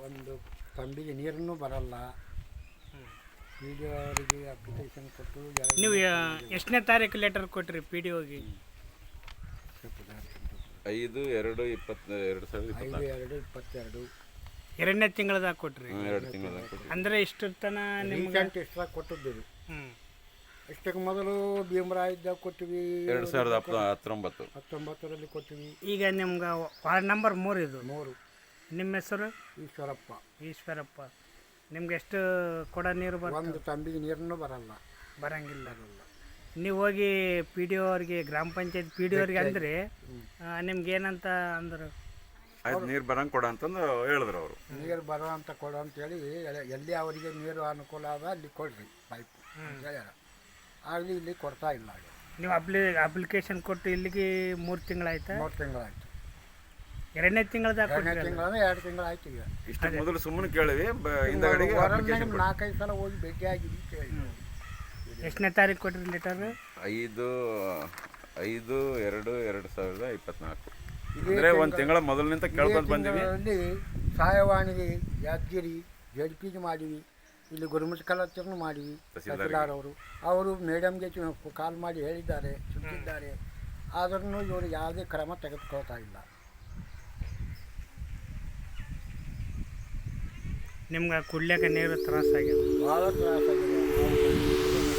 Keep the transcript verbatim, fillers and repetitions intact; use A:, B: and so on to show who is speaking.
A: ಒಂದು ತಂಬಿಗೆ ನೀರನ್ನು ಬರಲ್ಲ. ಪಿ ಡಿ ಅವರಿಗೆ ಅಪ್ಲಿಕೇಶನ್ ಕೊಟ್ಟು
B: ನೀವು ಎಷ್ಟನೇ ತಾರೀಕು ಲೆಟರ್ ಕೊಟ್ರಿ ಪಿ ಡಿ ಒಗೆ?
C: ಐದು ಎರಡು ಇಪ್ಪತ್ತು ಎರಡು ಸಾವಿರದ
A: ಐದು ಎರಡು ಇಪ್ಪತ್ತೆರಡು
B: ಎರಡನೇ ತಿಂಗಳದಾಗ ಕೊಟ್ರಿ.
C: ಎರಡು ತಿಂಗಳದಾಗ ಕೊಟ್ಟು
B: ಅಂದರೆ ಇಷ್ಟು ತನ ನಿಮ್ಗೆ
A: ರೀಸೆಂಟ್ ಎಷ್ಟ್ರಾಗ ಕೊಟ್ಟಿದ್ದೀವಿ.
B: ಹ್ಞೂ
A: ಅಷ್ಟಕ್ಕೆ ಮೊದಲು ಭೀಮರಾಯ ಇದ್ದಾಗ ಕೊಟ್ಟಿವಿ,
C: ಎರಡು ಸಾವಿರದ ಹತ್ತು ಹತ್ತೊಂಬತ್ತು
A: ಹತ್ತೊಂಬತ್ತರಲ್ಲಿ ಕೊಟ್ಟಿವಿ.
B: ಈಗ ನಿಮ್ಗೆ ವಾರ್ಡ್ ನಂಬರ್ ಮೂರು ಇದು.
A: ಮೂರು.
B: ನಿಮ್ಮ ಹೆಸರು?
A: ಈಶ್ವರಪ್ಪ.
B: ಈಶ್ವರಪ್ಪ. ನಿಮ್ಗೆ ಎಷ್ಟು ಕೊಡ ನೀರು ಬರ್ತದೆ?
A: ಒಂದು ತಂಬಿಗೆ ನೀರನ್ನು ಬರಲ್ಲ.
B: ಬರಂಗಿಲ್ಲ. ನೀವು ಹೋಗಿ ಪಿ ಡಿ ಅವ್ರಿಗೆ, ಗ್ರಾಮ ಪಂಚಾಯತ್ ಪಿ ಡಿ ಅವ್ರಿಗೆ ಅಂದರೆ ನಿಮ್ಗೆ ಏನಂತ ಅಂದರು?
C: ಆಯ್ತು, ನೀರು ಬರಂಗೆ ಕೊಡ ಅಂತಂದು ಹೇಳಿದ್ರು ಅವರು.
A: ನೀರು ಬರೋ ಅಂತ ಕೊಡು ಅಂತೇಳಿ ಎಲ್ಲಿ ಅವರಿಗೆ ನೀರು ಅನುಕೂಲ ಅದ ಅಲ್ಲಿ ಕೊಡ್ರಿ ಪೈಪ್ ಅಂತ ಹೇಳ್ಯಾರ. ಆಗಲಿ ಇಲ್ಲಿ ಕೊಡ್ತಾ ಇಲ್ಲ.
B: ನೀವು ಅಪ್ಲಿ ಅಪ್ಲಿಕೇಶನ್ ಕೊಟ್ಟು ಇಲ್ಲಿಗೆ ಮೂರು ತಿಂಗಳಾಯ್ತಾ?
A: ಮೂರು ತಿಂಗಳಾಯ್ತು.
B: ಎರಡನೇ ತಿಂಗಳದಾಗ
A: ಎರಡನೇ ತಿಂಗಳಂದ್ರೆ ಎರಡು ತಿಂಗಳಾಯ್ತು. ಈಗ
C: ಇಷ್ಟು ಮೊದಲು ಸುಮ್ಮನೆ ಕೇಳಿವಿ, ಹಿಂದಗಡೆಗೆ ಅಪ್ಲಿಕೇಶನ್
A: ನಾಲ್ಕೈದು ಸಲ ಹೋಗಿ ಭೇಟಿಯಾಗಿದ್ವಿ, ಕೇಳಿ.
B: ಎಷ್ಟನೇ ತಾರೀಕು ಕೊಟ್ರಿ ಲೆಟರ್?
C: ಐದು ಐದು ಎರಡು ಎರಡು ಸಾವಿರದ ಇಪ್ಪತ್ನಾಲ್ಕು ಅಂದರೆ ಒಂದು ತಿಂಗಳ ಮೊದಲಿನಿಂದ ಕೇಳ್ಕೊಂಡು ಬಂದೀವಿ.
A: ಅಲ್ಲಿ ಸಹಾಯವಾಣಿಗೆ ಯಾದಗಿರಿ ಜಡ್ ಪಿಗೆ ಮಾಡಿವಿ, ಇಲ್ಲಿ ಗುರುಮಠ ಕಲಾಚರಣ ಮಾಡಿವಿ. ತಹಸೀಲ್ದಾರ್ ಅವರು ಅವರು ಮೇಡಮ್ಗೆ ಕಾಲ್ ಮಾಡಿ ಹೇಳಿದ್ದಾರೆ, ಸುತ್ತಿದ್ದಾರೆ. ಆದ್ರೂ ಇವರು ಯಾವುದೇ ಕ್ರಮ ತೆಗೆದುಕೊಳ್ತಾ ಇಲ್ಲ.
B: ನಿಮ್ಗೆ ಕುಡ್ಲಿಕ್ಕೆ ನೀರು ತ್ರಾಸಾಗಿದೆ?
A: ಭಾಳ ತ್ರಾಸಾಗಿದೆ.